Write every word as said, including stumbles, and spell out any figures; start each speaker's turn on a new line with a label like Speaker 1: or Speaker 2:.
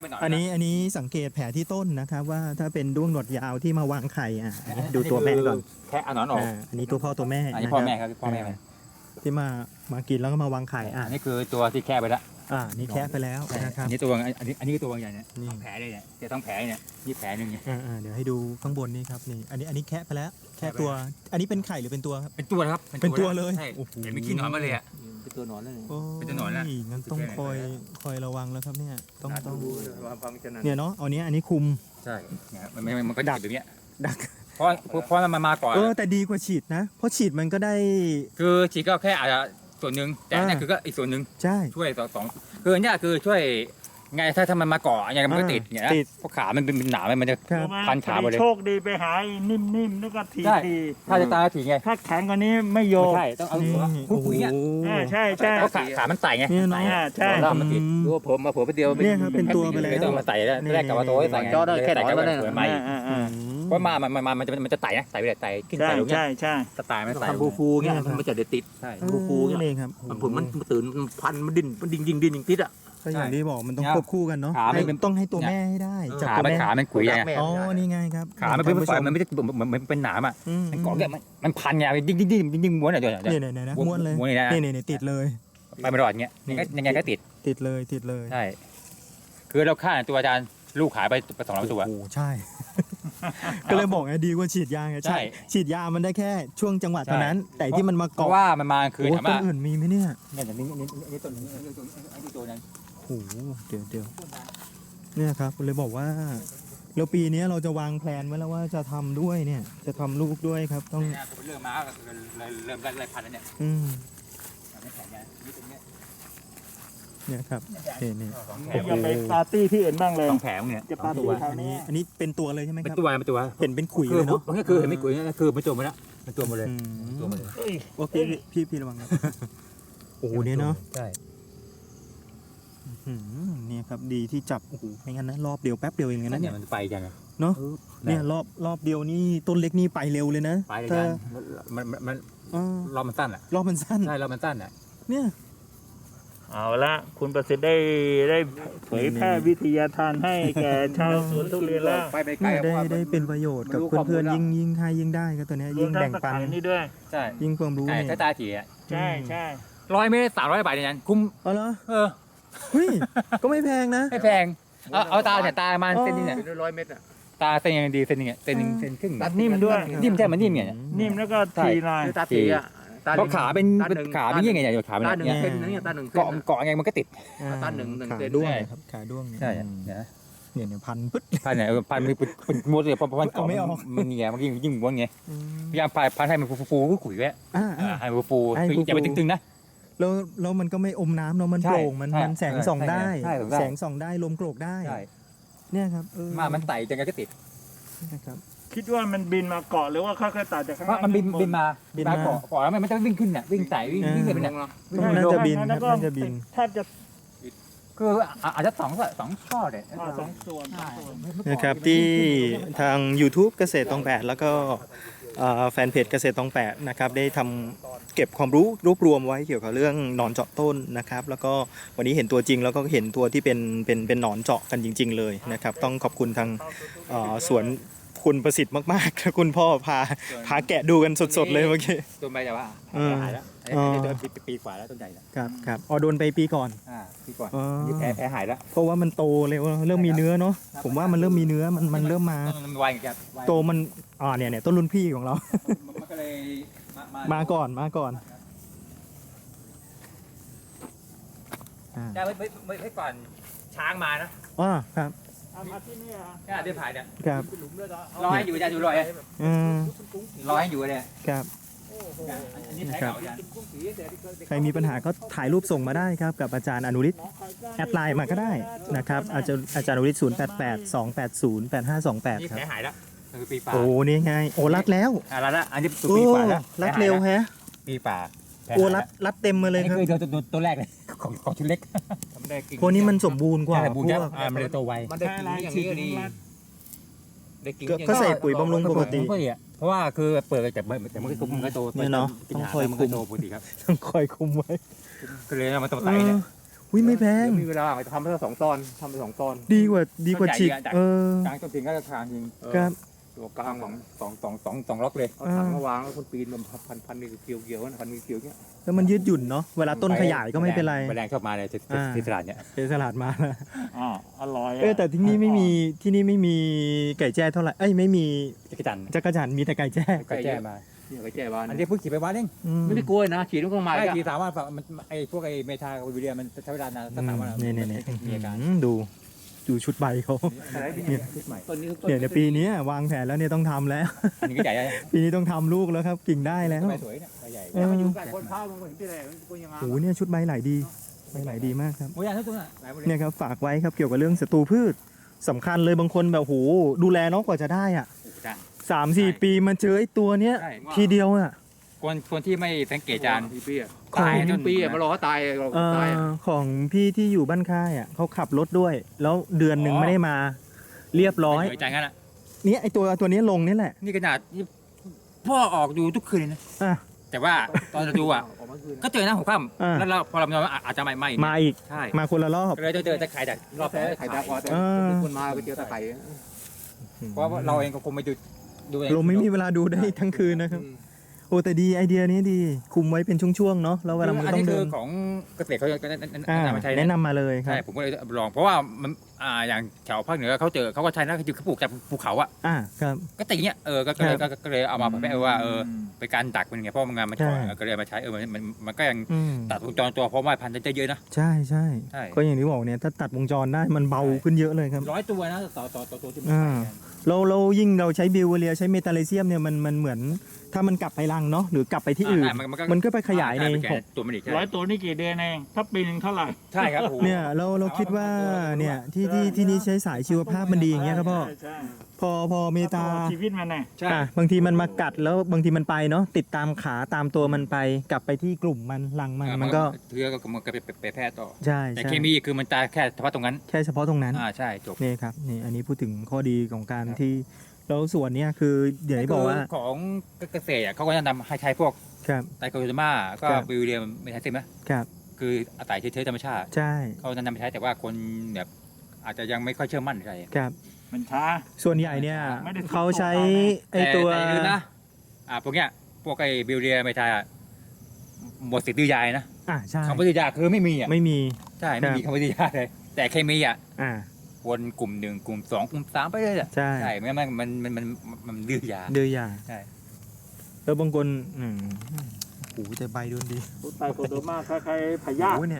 Speaker 1: อันนี้อันนี้สังเกตแผลที่ต้นนะครับว่าถ้าเป็นด้วงหนวดยาวที่มาวางไข่อ่ะดูตัวแม่ก่อน
Speaker 2: แค่เอาหนอนออก
Speaker 1: อันนี้ตัวพ่อตัวแม่
Speaker 2: อันนี้พ่อแม่ครับพ่อแม่
Speaker 1: ที่มามากินแล้วก็มาวางไข่อ่ะ
Speaker 2: นี่คือตัวที่แค่ไปแล้ว
Speaker 1: อ่านี่แค่ไปแล้วนะครับ
Speaker 2: อันนี้ตัวอันนี้อันนี้ตัวใหญ่เนี่ยแผลเลยเนี่ยจะต้องแผลเนี่ยนี่แผลหนึ่งเนี่ย
Speaker 1: อ่าเดี๋ยวให้ดูข้างบนนี่ครับนี่อันนี้อันนี้แค่ไปแล้วแค่ตัวอันนี้เป็นไข่หรือเป็นตัวครับ
Speaker 2: เป็นตัวครับ
Speaker 1: เป็นตัวเลย
Speaker 2: เห็นไม่ขี้หนอนมาเลยอ่ะ
Speaker 3: เป็นตัวหนอนเลย
Speaker 2: เป็นตัวหนอนแล้ว
Speaker 1: งั้นต้องคอยคอยระวังแล้วครับเนี่ยต้องต้องเนี่ยเนาะเอาเนี้ยอันนี้คุม
Speaker 2: ใช่เนี่ยมันมันก็ดักแบบเนี้ย
Speaker 1: ดัก
Speaker 2: เพราะเพราะมันมาก่อน
Speaker 1: เออแต่ดีกว่าฉีดนะเพราะฉีดมันก็ได้
Speaker 2: คือฉีดก็แค่อาจจะส่วนหนึ่งแต่นี่คือก็อีกส่วนหนึ่ง
Speaker 1: ใช่
Speaker 2: ช่วยสองสองคือเนี่ยคือช่วยไงถ้าถ้ามันมาเกาะยังไงมันก็ติดเนี่ยเพราะขามันเป็นหนามันจะพันขาหมดเลย
Speaker 3: โชคดีไปหานิ่มๆแล้วก็ทีที
Speaker 2: ถ้าจะตายถีไง
Speaker 3: ถ้าแข็งกว่านี้ไม่โยก
Speaker 2: ใช่ต้องเอาผู้ปุ๋ยเนี่ย
Speaker 3: ใช่ใช่
Speaker 2: เพราะขาขามันไต่ไง
Speaker 1: เนี่ยเนาะ
Speaker 3: ใช่
Speaker 2: เรามาติดดูผมมาผมไปเดียว
Speaker 1: เนี่ยครับเป็นตัวไปแล้ว
Speaker 2: ต้องมาใส่แล้วแรกกับว่าตัวใส่
Speaker 3: จอได้แค่ไหนก็ได้
Speaker 2: ใหม่เพราะมามันมันมันจะมันจะไต่นะไต่ไปไต่ขึ้นไต่ลงเนี่ย
Speaker 3: ใช่ใช่
Speaker 2: สไตล์มันไต่
Speaker 3: ฟูฟูเงี้ยมันจะเด็ดติด
Speaker 2: ใช่
Speaker 3: ฟูฟู
Speaker 1: เ
Speaker 3: งี้ย
Speaker 1: ครับ
Speaker 3: มันผมมันตื่นมันพันมันดิ้นมันดิ้งยิงดิ้นยิงติดอ่ะ
Speaker 1: ก็อย่างที่บอกมันต้องควบคู่กันเนาะต้องให้ตัวแม่ให้ได้
Speaker 2: จับตัวแม่ขามันขุยไง
Speaker 1: อ๋อนี่ไงครับ
Speaker 2: ขามันเป็นฝอยมันไม่ได้เหมือนมันเป็นหนามอ่ะมันเกาะแกมันมันพันไงดิ้งดิ้งดิ้งดิ้งม้วนอะไร
Speaker 1: เนี่ยเนี่ยเนี่ยม้วนเลยเนี่ยเนี่ยติดเลย
Speaker 2: ไปไม่รอดเงี้ยยังไงก็ติด
Speaker 1: ติดเลยติดเลย
Speaker 2: ใช่คือเราฆ่าตัวอาจารย์ลูกขายไปสองร้อยตัว
Speaker 1: โอ้ใช่ก็เลยบอกไงดีกว่าฉีดยาไงใช่ฉีดยามันได้แค่ช่วงจังหวะเท่านั้นแต่ที่มันมาเกาะ
Speaker 2: ว่ามันมาคือ
Speaker 1: ถามว่าต้นอื่นมีไหมเนี่ย
Speaker 2: เนี่ยนี่นี่นี่ต้นนี้นี่ตัวนั้น
Speaker 1: โอ้เดี๋ยวเดี๋ยวเนี่ยครับเลยบอกว่าแล้วปีนี้เราจะวางแผนไว้แล้วว่าจะทำด้วยเนี่ยจะทำลูกด้วยครับต้อง
Speaker 2: เริ่มมาเริ่มไล่พันแล้วเนี่ย
Speaker 1: อืมเนี่ยครับเนี่ยเนี่ย
Speaker 3: อย่าไปปาร์ตี้ที่อื่นบ้างเลย
Speaker 2: ต้องแผงเนี่ย
Speaker 3: จะปาร์ตี้
Speaker 1: อันนี้อันนี้เป็นตัวเลยใช่ไหมครับ
Speaker 2: เป็นตัวเป็นตัว
Speaker 1: เห็นเป็นขุยเลยเนาะ
Speaker 2: ก็คือเห็นไม่ขุยก็คือมันจมไปแล้วมันตัวหมดเลยตัวหมดเลย
Speaker 1: โอเคพี่พี่ระวังครับโอ้โหเนี่ยเนาะ
Speaker 2: ใช่
Speaker 1: เนี่ยครับดีที่จับโอ้โหไม่งั้นนะรอบเดียวแป๊บเดียวเองนะ
Speaker 2: เนี่ยมันไปกัน
Speaker 1: เนาะเนี่ยรอบรอบเดียวนี่ต้นเล็กนี่ไปเร็วเลยนะ
Speaker 2: ไปกันมันมันรอบมันสั้นอ่ะ
Speaker 1: รอบมันสั้น
Speaker 2: ใช่รอบมันสั้นอ่ะ
Speaker 1: เนี่ย
Speaker 3: เอาละคุณประสิทธิ์ได้ได้เผยแพร่วิทยาทานให้แก่ชาวสวนทุเรียนแล้ว
Speaker 1: ได้ได้เป็นประโยชน์กับเพื่อนๆยิ่งยิ่งให้ยิ่งได้ก็ตัวนี้ยิ่งแบ่งปัน
Speaker 3: นี่ด้วย
Speaker 2: ใช่
Speaker 1: ยิ่งความรู้
Speaker 2: เนี่ยใช้ตาถี่อ่ะ
Speaker 3: ใช่ใช่
Speaker 2: ร้อยเมตรสามร้อยบาทเนี่ยคุ้ม
Speaker 1: เออเหรอ
Speaker 2: เออ
Speaker 1: เฮ้ยก็ไม่แพงนะ
Speaker 2: ไม่แพงเอาเอาตาเนี่ยตามันเส้นนี้เนี่ย
Speaker 3: ร้อยเมตรอ่ะ
Speaker 2: ตาเส้นยังดีเส้นนึงเนี่ยเส้นนึงเส้นครึ่ง
Speaker 3: นิ่มด้วย
Speaker 2: นิ่มใช่มันนิ่มเนี่ย
Speaker 3: นิ่มแล้วก็ทีลาย
Speaker 2: ตาถี่อ่ะเพราะขาเป็นขาเป็นยังไงเนี่ยขาเป็น
Speaker 3: ตาหนึ่งเส้นนี่ตาหนึ่ง
Speaker 2: เกาะเกาะไงมันก็ติด
Speaker 3: ตาหนึ่งหนึ่ง
Speaker 1: เส้นด้วยครับขาด้วง
Speaker 2: ใช่
Speaker 1: เนี่ยเนี่ยเนี่ยพันปึ๊ด
Speaker 2: พันเนี่ยพันมันเป็นม้วนเลยเพราะมันเกาะมันเงี้ยมันยิ่งยิ่งม้วนไงพยายามพันพันให้มันฟูฟูขุยไว้ให้ฟูฟูอย่าไปตึงๆนะ
Speaker 1: แล้วแล้วมันก็ไม่อมน้ำเนาะมันโปร่งมันมันแสงส่องได้แสงส่องได้ลมโกรกได้เนี่ยครับ
Speaker 2: มามันไต่จังไงก็ติด
Speaker 1: นะครับ
Speaker 3: คิดว่ามันบินมาเกาะหรือว่าค่อยๆไต่จากข้างล่าง
Speaker 2: มันบินบินมาบินมาเกาะเกาะแล้วมันจะวิ่งขึ้นเนี่ยวิ่งไต่วิ่งวิ่งขึ้นไปเนี่ย
Speaker 1: น่าจะบินครับน่าจะบิน
Speaker 3: แทบจะ
Speaker 2: คืออาจจะสองสองข้อเลย
Speaker 3: สองส่วน
Speaker 1: นะครับที่ทาง YouTube เกษตรตองแปดแล้วก็แฟนเพจเกษตรตองแปดนะครับได้ทำเก็บความรู้รวบรวมไว้เกี่ยวกับเรื่องหนอนเจาะต้นนะครับแล้วก็วันนี้เห็นตัวจริงแล้วก็เห็นตัวที่เป็นเป็นเป็นหนอนเจาะกันจริงๆเลยนะครับต้องขอบคุณทางสวนคุณประสิทธิ์มากๆคุณพ่อพาพาแกะดูกันสดๆเลยเมื่อกี้
Speaker 2: ตัวใบจะว่าหายแล้วตัวปีกว่าแล้วต้นใหญ่แล้ว
Speaker 1: ครับครับอ๋อโดนไปปีก่อน
Speaker 2: อ่าปีก่อนแผลแผลหายแล้ว
Speaker 1: เพราะว่ามันโตเลยว่าเริ่มมีเนื้อเนาะผมว่ามันเริ่มมีเนื้อมันมันเริ่มมาโตมันอ่าเนี่ยเนี่ยต้นรุ่นพี่ของเรา
Speaker 2: มันก็เลย
Speaker 1: มาก่อนมาก่อน
Speaker 2: ได้ไว้ไว้ไว้ก่อนช้างมานะ
Speaker 1: อ๋อครับ
Speaker 3: มาที่นี่อ่ะ
Speaker 2: แค่เดินผ่านเนี่ย
Speaker 1: ครับ
Speaker 2: รอให้อยู่จะอยู่รอย
Speaker 1: อืม
Speaker 2: รอให้อยู่เลย
Speaker 1: ครับใครมีปัญหาก็ถ่ายรูปส่งมาได้ครับกับอาจารย์อนุริศแอดไลน์มาก็ได้นะครับอาจารย์อาจารย์อนุริศศูนย์แปดแปดสองแปดศูนย์แปดห้าสองแปดครับ
Speaker 2: หายแล้วคือปีป่า
Speaker 1: โอ้นี่ไงโอ้รัดแล้ว
Speaker 2: อ่ารัดแล้วอันนี้ปีป่าแล้ว
Speaker 1: รัดเร็วแฮะ
Speaker 2: ปีป่า
Speaker 1: โอ้รัดรัดเต็มมาเลยครับ
Speaker 2: นี่คือตัวตัวแรกเลยของของชุดเล็ก
Speaker 1: พวกนี้มันสมบูรณ์กว่า
Speaker 2: พวกมันเลยโตไว
Speaker 3: มันได้กินอย่างนี้ดี
Speaker 1: ก็ใส่ปุ๋ยบำรุงปกติ
Speaker 2: เพราะว่าคือเปิดแต่แต่มันก็คุมมันก็โต
Speaker 1: เนี่ยเนาะต้องคอยคุม
Speaker 2: ปกติครับ
Speaker 1: ต้องคอยคุมไว้
Speaker 2: ก็เลยมันโตไตเนี่ย
Speaker 1: โอุ้ยไม่แพง
Speaker 2: เดี๋ยวมีเวลาทำไปสองตอนทำไปสองตอน
Speaker 1: ดีกว่าดีกว่าฉีกเออก
Speaker 2: ลางต้นพิงก็จะทางยิง
Speaker 1: ครับ
Speaker 2: ตัวกลางของสองสองสองสองล็อกเลยเอาถังมาวางแล้วคนปีนมันพันพันนี่เกี่ยวเกี่ยวพันนี่เกี่ยวเงี้ย
Speaker 1: แล้วมันยืดหยุ่นเนาะเวลาต้นขยายก็ไม่เป็นไร
Speaker 2: แมลงชอบมาเลยที่
Speaker 1: อ่า
Speaker 2: ที่ตลาดเนี่ย
Speaker 1: เป็นสลัดมาแล้ว
Speaker 3: อ๋ออร่อยะ
Speaker 1: เออแต่ที่นี่ไม่มีที่นี่ไม่มีไก่แจ้เท่าไหร่เอ้ยไม่มี
Speaker 2: จักรจันทร์
Speaker 1: จักรจันทร์มีแต่ไก่แจ้
Speaker 2: ไก่แจ้มา
Speaker 4: เนี่ยไปแจ้บ้าน
Speaker 2: อันนี้เพิ่งขี่ไปวันเอง
Speaker 1: อืม
Speaker 4: ไม่ได้กลัวนะฉีดมันก็มา
Speaker 2: ไอ้
Speaker 4: อีก
Speaker 2: ขี่
Speaker 4: อะ
Speaker 2: สามวันมันไอ้พวกไอ้เมทากับวิเดียมันใช้เวลานานสักสามวัน
Speaker 1: เนี่ยเนี่ยเนี่ย
Speaker 2: มีอาการ
Speaker 1: อืมดูดูชุดใบเขา
Speaker 4: อะไรพี่
Speaker 1: เนี่ย
Speaker 2: ชุดใหม่
Speaker 4: ต้นนี้ต้น
Speaker 1: เนี่ยในปีนี้วางแผนแล้วเนี่ยต้องทำแล้ว
Speaker 2: อันนี้ก็ใหญ่ใหญ่
Speaker 1: ปีนี้ต้องทำลูกแล้วครับกิ่งได้แล้ว
Speaker 2: ใบสวยเนี่ยใบใหญ่
Speaker 1: เออ
Speaker 4: มันอยู่กับคนพามันก็เห็นที่ไหนมันก็ยังงาม
Speaker 1: โอ้โหเนี่ยชุดใบไหลดีใบไหลดีมากครับ
Speaker 2: โอ้ยอันทุกตัวน่ะหลายหมดเลย
Speaker 1: เนี่ยครับฝากไว้ครับเกี่ยวกับเรื่องศัตรูพืชสำคัญเลยบางคนแบบโหดูแลเนาะกว่าจะได้อ่ะ
Speaker 2: โอ้โหจ้ะ
Speaker 1: สามสี่ปีมาเจอไอ้ตัวเนี้ย
Speaker 2: ใช่
Speaker 1: ทีเดียวอ่ะ
Speaker 2: คนคนที่ไม่สังเกตจาน
Speaker 4: พี่ปีอะ
Speaker 1: ของ
Speaker 4: ตายทั้งปีอะมารอเขาตายเรา
Speaker 1: เอ่
Speaker 4: ตายอะ
Speaker 1: อของพี่ที่อยู่บ้านค่ายอ่ะเขาขับรถด้วย แล้วเดือนหนึ่งไม่ได้มาเรียบร้อย
Speaker 2: ไม่จานงั้นอ่ะ
Speaker 1: เนี่ยไอ้ตัวตัวนี้ลงนี่แหละ
Speaker 2: นี่ขนาดนี่พ่อออกดูทุกคืนเลยนะ
Speaker 1: อ่ะ
Speaker 2: แต่ว่าตอนเราดูอ่ะ
Speaker 4: ออกมาคืน
Speaker 2: ก็เจอหน้าหัวค่
Speaker 1: อ่า
Speaker 2: ำแล้วเราพอเรานอนอาจจะไม่ไม่
Speaker 1: มาอีก
Speaker 2: ใช่
Speaker 1: มาคนละรอบ
Speaker 2: ก็เลยเจอแต่ไข่แต่รอบ
Speaker 4: แต่ไข่ดาวพอแต่
Speaker 1: เออ
Speaker 4: คนมาไปเจอตะไคร่
Speaker 2: เพราะว่าเราเองก็คงไม่ดูดูเอง
Speaker 1: เราไม่มีเวลาดูได้ทั้งคืนนะครับโอ้แต่ดีไอเดียนี้ดีคุมไว้เป็นช่วงๆเนาะแล้วเวลามัน
Speaker 2: อัน
Speaker 1: ต้อ
Speaker 2: นี้
Speaker 1: ง
Speaker 2: คื
Speaker 1: เดิ
Speaker 2: อน ของเกษตรเขาจะแนะ
Speaker 1: อ่าน
Speaker 2: ำมาใช้
Speaker 1: แนะนำมาเลยครั
Speaker 2: ใช่
Speaker 1: บ
Speaker 2: ผมก็เลยลองเพราะว่ามันอ่าอย่างแถวภาคเหนือเขาเจอเขาก็ใช้นะคือเขาปลูกจากภูเขาอ่ะ
Speaker 1: อ่าครับ
Speaker 2: ก็ติงเนี้ยเออก็ก็เลย
Speaker 1: ครับ
Speaker 2: ก็ก็เลยเอามาเผยแพร่ว่าเออเป็นการดักเป็นไงเพราะมันงานมัน
Speaker 1: ใช่
Speaker 2: ถอยก็เลยเอามาใช้เออมันมันมันก็ยัง
Speaker 1: อืม
Speaker 2: ตัดวงจรตัวเพราะว่าพันธุ์ได้เยอะนะ
Speaker 1: ใช่ใช่
Speaker 2: ใช่
Speaker 1: ก็อย่างที่บอกเนี่ยถ้าตัดวงจรได้มันเบาขึ้นเยอะเลยครับ
Speaker 2: ร้อยตัวนะต่อต่อต่อตัวที่มัน
Speaker 1: อ่า
Speaker 2: ใช้กัน
Speaker 1: เราเรายิ่งเราใช้บิวเวเรียใช้เมตาเลเซียมเนี่ยมันมันเหมือนถ้ามันกลับไปรังเนาะหรือกลับไปที่อื่น
Speaker 2: อ่ามันก็
Speaker 1: มันก็ไปขยายใน
Speaker 2: ช่ไป
Speaker 1: หก
Speaker 2: ตัวมันอีกใช่
Speaker 3: ร้อยตัวนี่กี่เดือนเองถ้าปีหนึ่งเท่าไหร่
Speaker 2: ใช่ครับโอ้โห
Speaker 1: เนี่ยเราเราคิดว่าเนี่ยที่ที่ที่นี่ใช้สายชีวภาพมันดีอย่างเงี้ยครับพ่อ
Speaker 3: ใช่ใช่
Speaker 1: พอพอเมตา
Speaker 3: ต่อชีวิตมันไง
Speaker 2: ใช่
Speaker 1: อ่ะบางทีมันมากัดแล้วบางทีมันไปเนาะติดตามขาตามตัวมันไปกลับไปที่กลุ่มมันรังมันมันก็
Speaker 2: เชื้อก็มันก็ไปไปแพร่ต่อ
Speaker 1: ใช่
Speaker 2: แต่
Speaker 1: ใช่
Speaker 2: เคมีคือมันตายแค่เฉพาะตรงนั้น
Speaker 1: แค่เฉพาะตรงนั้น
Speaker 2: อ่าใช่จบ
Speaker 1: นี่ครับนี่อันนี้พูดถึงข้อดีของการ
Speaker 2: ครับ
Speaker 1: ที่แล้วส่วนเนี้ยคือเดี๋ยวที่บอกว่า
Speaker 2: คืของเกษตรอ่ะเขาก็จะนำให้ใช้พวก
Speaker 1: ครับ
Speaker 2: ไตรโคโดมาก็
Speaker 1: ครับ
Speaker 2: บิวเรียมไม่ใช่ใช่ไหม
Speaker 1: ครับ
Speaker 2: คืออาศัยเชื้อธรรมชาติ
Speaker 1: ใช่
Speaker 2: เขาจะนำไปใช้แต่ว่าคนแบบอาจจะยังไม่ค่อยเชื่อมั่นใช่
Speaker 1: ครับ
Speaker 3: มันช้า
Speaker 1: ส่วนใหญ่เนี่ย
Speaker 3: ไม่ได้
Speaker 1: เขาใช้
Speaker 3: ถูกต้อง
Speaker 1: ไอตัว
Speaker 2: แต่อย่าลืมนะอ่าพวกเนี้ยพวกไอ้บิวเรียไม่ใช่อ่ะหมดสิทธิ์ดื้อยายนะ
Speaker 1: อ่าใช่
Speaker 2: คำว่าดื้อยาคือไม่มีอ่ะ
Speaker 1: ไม่มี
Speaker 2: ใช่ไม่มี
Speaker 1: ครับ
Speaker 2: คำว่าดื้อยาเลย แต่เคมีอ่ะ
Speaker 1: อ่า
Speaker 2: วนกลุ่มหนึ่งกลุ่มสองกลุ่มสามไปเลยอ่ะ
Speaker 1: ใช่
Speaker 2: ใช่ไม่งั้นมันมันมันมันมันดื้อยา
Speaker 1: เดือยา
Speaker 2: ใช่
Speaker 1: แล้วบางคนอืมโอ้โหแต่ใบโดนดี
Speaker 3: ไตโคโดมาคล้ายๆพยาธิ
Speaker 1: โอ้โหเนี่ย